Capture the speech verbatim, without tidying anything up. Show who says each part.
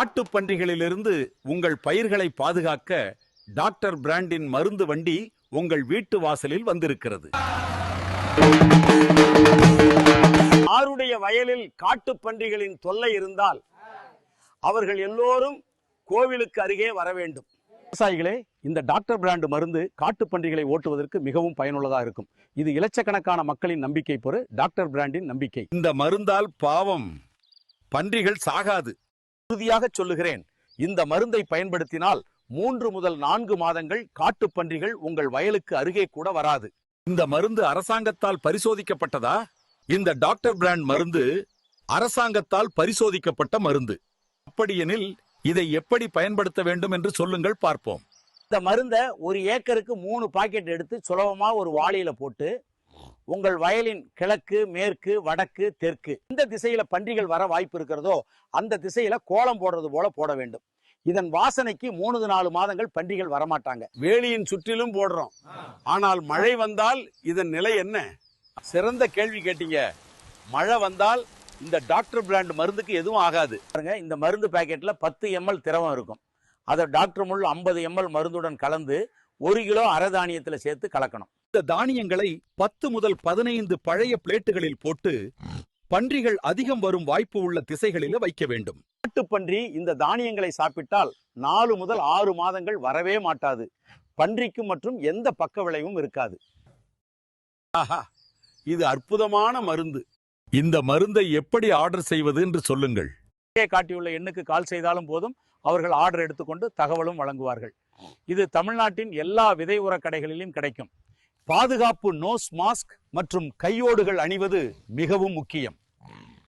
Speaker 1: காட்டுப் பன்றிகளிலிருந்து உங்கள் பயிர்களை பாதுகாக்க டாக்டர் பிராண்டின் மருந்து வண்டி உங்கள் வீட்டு வாசலில் வந்திருக்கிறது.
Speaker 2: யாருடைய வயலில் காட்டுப் பன்றிகளின் தொல்லை இருந்தால் அவர்கள் எல்லோரும் கோவிலுக்கு அருகே வர வேண்டும். விவசாயிகளே, இந்த டாக்டர் பிராண்ட் மருந்து காட்டுப் பன்றிகளை ஓட்டுவதற்கு மிகவும் பயனுள்ளதாக இருக்கும். இது இலட்சக்கணக்கான மக்களின் நம்பிக்கை பொறு டாக்டர் பிராண்டின் நம்பிக்கை.
Speaker 1: இந்த மருந்தால் பாவம் பன்றிகள் சாகாது.
Speaker 2: உறுதியாக சொல்லுகிறேன், இந்த மருந்தை பயன்படுத்தினால் மூன்று முதல் நான்கு மாதங்கள் காட்டுப் பன்றிகள் உங்கள் வயலுக்கு அருகே கூட வராது.
Speaker 1: இந்த மருந்து அரசாங்கத்தால் பரிசோதிக்கப்பட்டதா? இந்த டாக்டர் பிராண்ட் மருந்து அரசாங்கத்தால் பரிசோதிக்கப்பட்ட மருந்து. அப்படியெனில் இதை எப்படி பயன்படுத்த வேண்டும் என்று சொல்லுங்கள் பார்ப்போம்.
Speaker 2: இந்த மருந்தை ஒரு ஏக்கருக்கு மூணு பாக்கெட் எடுத்து சுலபமா ஒரு வாளியில போட்டு உங்கள் வயலின் கிழக்கு, மேற்கு, வடக்கு, தெற்கு எந்த திசையில பன்றிகள் வர வாய்ப்பு இருக்கிறதோ அந்த திசையில கோலம் போடுறது போல போட வேண்டும். இதன் வாசனைக்கு மூணு நாலு மாதங்கள் பன்றிகள் வரமாட்டாங்க.
Speaker 1: வேலியின் சுற்றிலும் போடுறோம், ஆனால் மழை வந்தால் இதன் நிலை என்ன? சிறந்த கேள்வி கேட்டீங்க. மழை வந்தால் இந்த டாக்டர் பிராண்ட் மருந்துக்கு எதுவும் ஆகாது.
Speaker 2: இந்த மருந்து பாக்கெட்ல பத்து எம்எல் திரவம் இருக்கும். அதை டாக்டர் முள் ஐம்பது எம்எல் மருந்துடன் கலந்து ஒரு கிலோ அரை தானியத்துல சேர்த்து கலக்கணும்.
Speaker 1: இந்த தானியங்களை பத்து முதல் பதினைந்து பழைய பிளேட்டுகளில் போட்டு பன்றிகள் அதிகம் வரும் வாய்ப்பு உள்ள திசைகளில் வைக்க வேண்டும்.
Speaker 2: காட்டுப்பன்றி இந்த தானியங்களை சாப்பிட்டால் நாலு முதல் ஆறு மாதங்கள் வரவே மாட்டாது. பன்றிக்கு மற்றும் எந்த பக்க விளைவும் இருக்காது.
Speaker 1: ஆஹா, இது அற்புதமான மருந்து. இந்த மருந்தை எப்படி ஆர்டர் செய்வது என்று சொல்லுங்கள்.
Speaker 2: காட்டியுள்ள எண்ணுக்கு கால் செய்தாலும் போதும், அவர்கள் ஆர்டர் எடுத்துக்கொண்டு தகவலும் வழங்குவார்கள். இது தமிழ்நாட்டின் எல்லா விதை உர கடைகளிலும் கிடைக்கும். பாதுகாப்பு நோஸ் மாஸ்க் மற்றும் கையோடுகள் அணிவது மிகவும் முக்கியம்.